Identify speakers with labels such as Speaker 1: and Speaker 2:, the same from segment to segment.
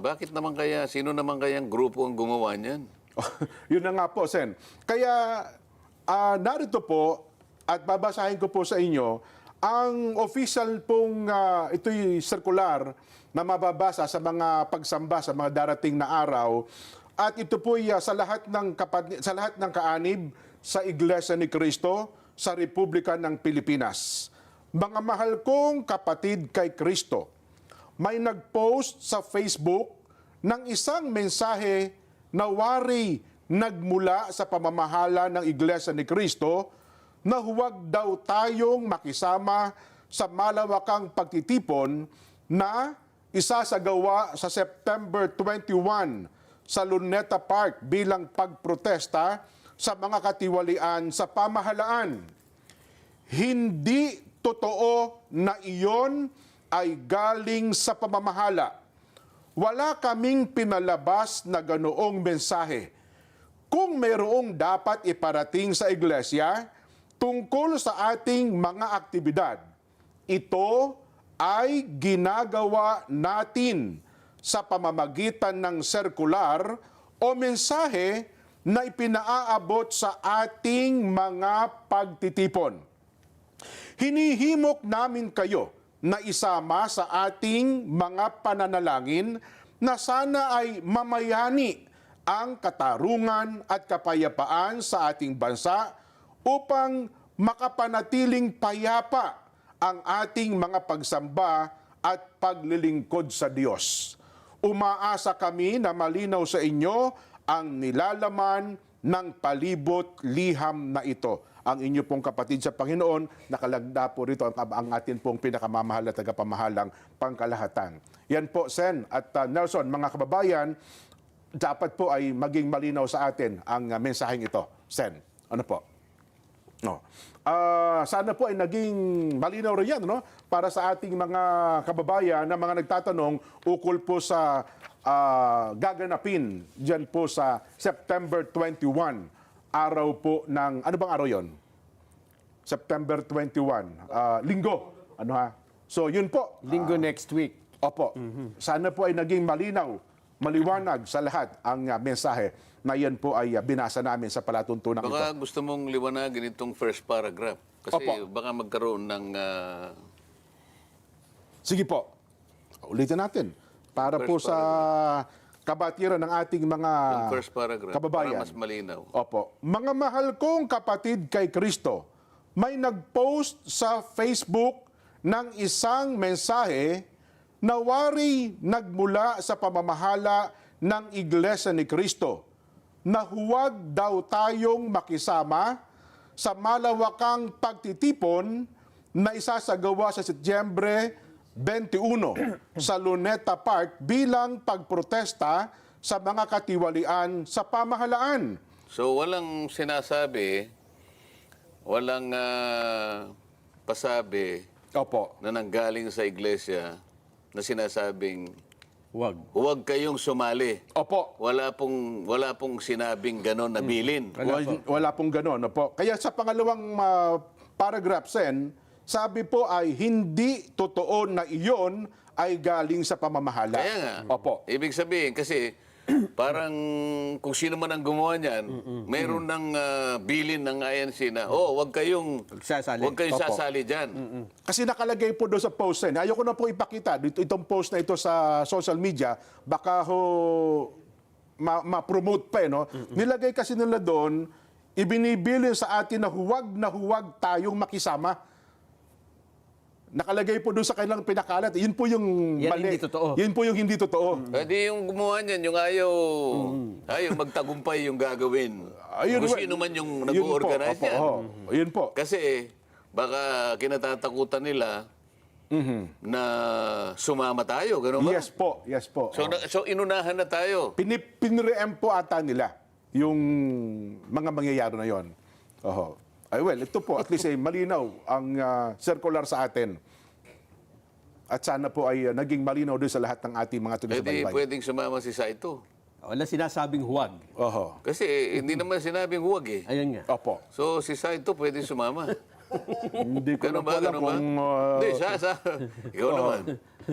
Speaker 1: bakit naman kaya, sino naman kayang grupo ang gumawa niyan?
Speaker 2: Yun na nga po, Sen. Kaya narito po at babasahin ko po sa inyo ang official pong ito'y circular na mababasa sa mga pagsamba sa mga darating na araw. At ito po sa lahat ng kaanib sa Iglesia ni Cristo sa Republika ng Pilipinas. Mga mahal kong kapatid kay Kristo, may nag-post sa Facebook ng isang mensahe na wari nagmula sa pamamahala ng Iglesia ni Cristo na huwag daw tayong makisama sa malawakang pagtitipon na isasagawa sa September 21 sa Luneta Park bilang pagprotesta sa mga katiwalian sa pamahalaan. Hindi totoo na iyon ay galing sa pamamahala. Wala kaming pinalabas na ganoong mensahe. Kung mayroong dapat iparating sa iglesia tungkol sa ating mga aktibidad, ito ay ginagawa natin sa pamamagitan ng sirkular o mensahe na ipinaaabot sa ating mga pagtitipon. Hinihimok namin kayo na isama sa ating mga pananalangin na sana ay mamayani ang katarungan at kapayapaan sa ating bansa upang makapanatiling payapa ang ating mga pagsamba at paglilingkod sa Diyos. Umaasa kami na malinaw sa inyo ang nilalaman ng palibot liham na ito. Ang inyo pong kapatid sa Panginoon, nakalagda po rito ang atin pong pinakamamahal at tagapamahalang pangkalahatan. Yan po, Sen at Nelson, mga kababayan, dapat po ay maging malinaw sa atin ang mensaheng ito. Sen, ano po? No. Sana po ay naging malinaw rin yan, no? Para sa ating mga kababayan na mga nagtatanong ukol po sa gaganapin dyan po sa September 21. Araw po ng, ano bang araw yon? September 21, linggo. Ano ha? So yun po.
Speaker 3: Linggo next week.
Speaker 2: Opo. Sana po ay naging malinaw, maliwanag sa lahat ang mensahe na yan po ay binasa namin sa palatuntunan ito.
Speaker 1: Baka gusto mong liwanagin itong first paragraph. Kasi
Speaker 2: Opo.
Speaker 1: baka magkaroon ng...
Speaker 2: Sige po. Ulitin natin. Para
Speaker 1: First
Speaker 2: po sa kabatiran ng ating mga
Speaker 1: yung first paragraph,
Speaker 2: kababayan.
Speaker 1: para mas malinaw.
Speaker 2: Opo. Mga mahal kong kapatid kay Kristo, may nag-post sa Facebook ng isang mensahe na wari nagmula sa pamamahala ng Iglesia ni Cristo na huwag daw tayong makisama sa malawakang pagtitipon na isasagawa sa Setyembre 21 sa Luneta Park bilang pagprotesta sa mga katiwalian sa pamahalaan.
Speaker 1: So walang sinasabi, walang pasabi
Speaker 2: Opo.
Speaker 1: na nanggaling sa iglesia na sinasabing
Speaker 3: Huwag.
Speaker 1: huwag kayong sumali.
Speaker 2: Opo.
Speaker 1: Wala pong sinabing ganon na bilin.
Speaker 2: Wala pong gano'n. Opo. Kaya sa pangalawang paragraph, Sen, sabi po ay hindi totoo na iyon ay galing sa pamamahala.
Speaker 1: Kaya nga.
Speaker 2: Opo.
Speaker 1: Ibig sabihin, kasi parang kung sino man ang gumawa niyan, mayroon ng bilin ng INC na, huwag kayong
Speaker 3: Sasali.
Speaker 1: Huwag kayong
Speaker 2: Opo.
Speaker 1: sasali dyan.
Speaker 2: Kasi nakalagay po doon sa post, Sen. Ayoko na po ipakita itong post na ito sa social media. Baka ma-promote pa, no? Nilagay kasi nila doon, ibinibilin sa atin na huwag tayong makisama. Nakalagay po doon sa kanilang pinakalat. Yun po yung
Speaker 3: Yan
Speaker 2: mali.
Speaker 3: hindi totoo.
Speaker 2: Yun po yung hindi totoo.
Speaker 1: Pwede yung gumawa niyan, yung ayaw magtagumpay yung gagawin.
Speaker 2: Ayun,
Speaker 1: Kung sino man yung nag-organize
Speaker 2: Opo,
Speaker 1: yan.
Speaker 2: Yun po.
Speaker 1: Kasi baka kinatatakutan nila na sumama tayo, gano'n ba?
Speaker 2: Yes po. Yes po.
Speaker 1: So inunahan na tayo.
Speaker 2: Pinre-em po ata nila yung mga mangyayari na yon. Oho. Ay well, ito po at least ay malinaw ang circular sa atin. At sana po ay naging malinaw din sa lahat ng ating mga tuloy-subaybay.
Speaker 1: Pwedeng sumama si Saito.
Speaker 3: Wala sinasabing huwag.
Speaker 2: Oho.
Speaker 1: Kasi hindi naman sinabing huwag eh.
Speaker 3: Ayun nga.
Speaker 2: Opo.
Speaker 1: So si Saito pwedeng sumama.
Speaker 2: Hindi ko na
Speaker 1: Ganun
Speaker 2: po
Speaker 1: ba?
Speaker 2: alam
Speaker 1: Ganun ba?
Speaker 2: kung...
Speaker 1: Hindi, ikaw naman.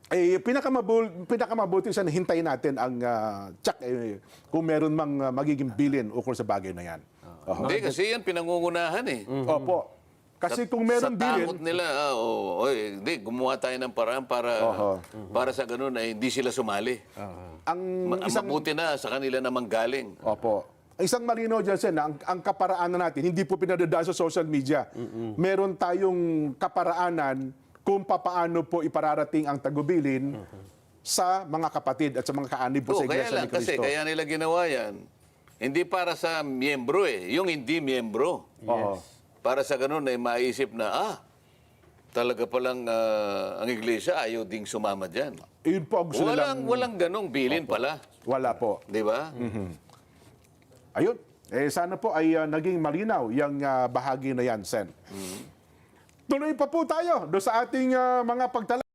Speaker 2: pinakamabuti sana hintayin natin ang check kung meron mang magiging bilin ukol sa bagay na yan. Oho.
Speaker 1: Hindi, kasi yan pinangungunahan eh.
Speaker 2: Opo. Kasi kung meron
Speaker 1: sa
Speaker 2: bilin,
Speaker 1: takot nila, hindi, gumawa tayo ng paraan para sa ganun ay hindi sila sumali.
Speaker 2: ang isang
Speaker 1: Mabuti na sa kanila namang galing.
Speaker 2: Opo. Isang malinaw dyan, Sen, na ang kaparaanan natin, hindi po pinadadaan sa social media. Meron tayong kaparaanan kung papaano po ipararating ang tagubilin sa mga kapatid at sa mga kaanib po sa
Speaker 1: Kaya
Speaker 2: Iglesia
Speaker 1: lang,
Speaker 2: ni Cristo.
Speaker 1: kasi kaya nila ginawa yan, hindi para sa miyembro yung hindi miyembro.
Speaker 2: Oo.
Speaker 1: Para sa ganun ay maisip na, talaga palang ang iglesia ayaw ding sumama dyan.
Speaker 2: Yun po ang gusto nilang...
Speaker 1: Walang ganong bilin pala.
Speaker 2: Wala po.
Speaker 1: Di ba?
Speaker 2: Ayun. Sana po ay naging malinaw yung bahagi na yan, Sen. Tuloy pa po tayo do sa ating mga pagtala.